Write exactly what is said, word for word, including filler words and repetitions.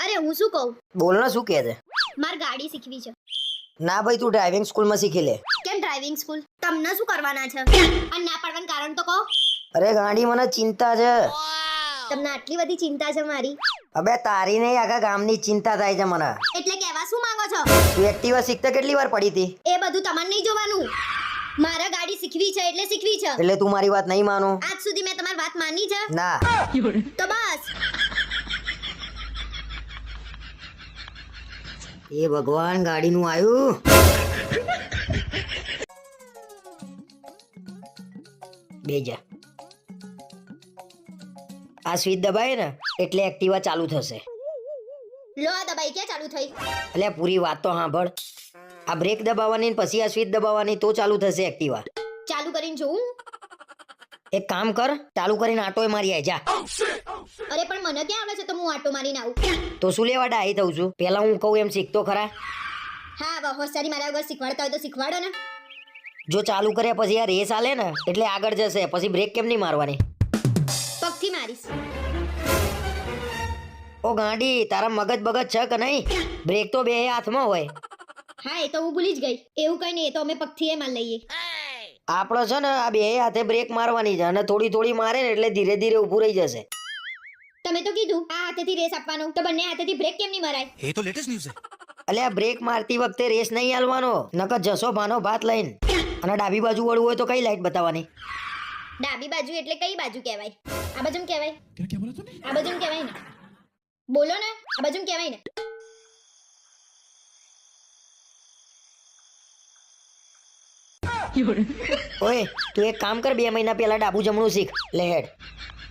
અરે હું શું કહું? બોલ ને, શું કહે છે? માર ગાડી શીખવી છે. ના ભાઈ, તું ડ્રાઇવિંગ સ્કૂલમાં શીખી લે. કેમ ડ્રાઇવિંગ સ્કૂલ? તમને શું કરવાના છે? અને ના પાડવાનું કારણ તો કહો. અરે ગાડી મને ચિંતા છે. તમને આટલી બધી ચિંતા છે મારી? અબે તારી નહીં, આખા ગામની ચિંતા થાય છે મને. એટલે કહેવા શું માંગો છો? તું એક્ટિવા શીખતા કેટલી વાર પડી હતી? એ બધું તમારે નહીં જોવાનું. મારા ગાડી શીખવી છે એટલે શીખવી છે. એટલે તું મારી વાત નહીં માનો? આજ સુધી મેં તમારી વાત માની છે? ના. તો બસ. એ ભગવાન, ગાડીનું આયું. બેજા. આ સ્વિચ દબાય ને એટલે એક્ટિવા ચાલુ થશે. લો આ દબાઈ ક્યાં ચાલુ થઈ? એટલે પૂરી વાત તો સાંભળ. આ બ્રેક દબાવવાની ને પછી આ સ્વિચ દબાવવાની તો ચાલુ થશે એક્ટિવા. ચાલુ કરીને જોઉં? એક કામ કર, ચાલુ કરીને આટોય મારી આય જા. અરે પણ મને ક્યાં આવડે છે તો હું આટો મારીને આવું? તો શું લેવા ડાહી થઉં છું? પેલા હું કહું એમ શીખતો ખરા. હા હવે હોશિયારી મારા વગર શીખવાડતા હોય તો શીખવાડો ને. જો ચાલુ કર્યા પછી આ રેસ આલે ને એટલે આગળ જશે, પછી બ્રેક કેમ નહીં મારવાની? પગથી મારીશ. ઓ ગાંડી, તારા મગજ બગજ છે કે નહીં? બ્રેક તો બે હાથમાં હોય. હા એ તો હું ભૂલી જ ગઈ. એવું કઈ નહીં, એ તો અમે પગથી એ માર લઈએ. આપણો છે ને આ બે હાથે બ્રેક મારવાની છે, અને થોડી થોડી મારે ને એટલે ધીરે ધીરે ઊભું રહી જશે. તમે તો કીધું આ હાથેથી રેસ આપવાનો, તો બંને હાથેથી બ્રેક કેમ નહીં મરાય? એ તો લેટેસ્ટ ન્યૂઝ છે. એટલે આ બ્રેક મારતી વખતે રેસ નહીં હાલવાનો, નકર જશો ભાનો ભાત લઈને. અને ડાબી બાજુ વળવું હોય તો કઈ લાઈટ બતાવવાની? ડાબી બાજુ એટલે કઈ બાજુ કહેવાય? આ બાજુ કહેવાય? क्या क्या बोला तूने? આ બાજુ કહેવાય ને? બોલો ને, આ બાજુ કહેવાય ને? ઓય તું એક કામ કર, બે મહિના પહેલા ડાબુ જમણું શીખ લે હેડ.